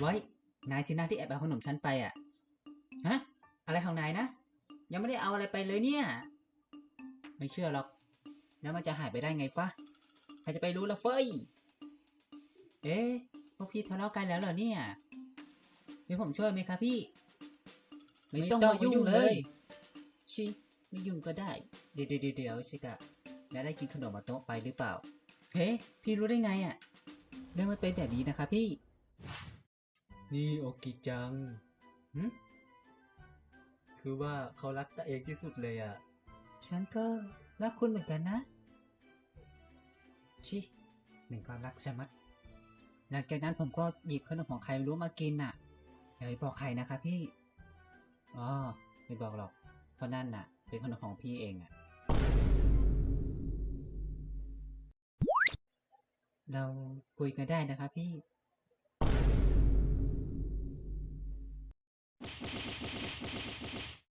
ไว้ นายสินะที่แอบเอาขนมฉันไปอ่ะ ฮะ อะไรของนายนะ ยังไม่ได้เอาอะไรไปเลยเนี่ย ไม่เชื่อหรอก แล้วมันจะหายไปได้ไงฟะ ใครจะไปรู้ละเฟ้ย เอ๊ะ พวกพี่ทะเลาะกันแล้วเหรอเนี่ยมีผมช่วยไหมครับพี่ ไม่ต้องมายุ่งเลย ชิ ไม่ยุ่งก็ได้ เดี๋ยวชิกะแล้วได้กินขนมมาโต๊ะไปหรือเปล่า เฮ้ พี่รู้ได้ไงอ่ะ เรื่องมันเป็นแบบนี้นะคะพี่ นี่โอกิจังคือว่าเขารักตัวเองที่สุดเลยอ่ะ ฉันก็รักคุณเหมือนกันนะ ชิหนึ่งความรักใช่ไหมหลังจากนั้นผมก็หยิบขนมของใครไม่รู้มากินน่ะอย่าไปบอกใครนะคะพี่ อ๋อ ไม่บอกหรอก เพราะนั่นน่ะ เป็นขนมของพี่เองอ่ะ เราคุยกันได้นะคะพี่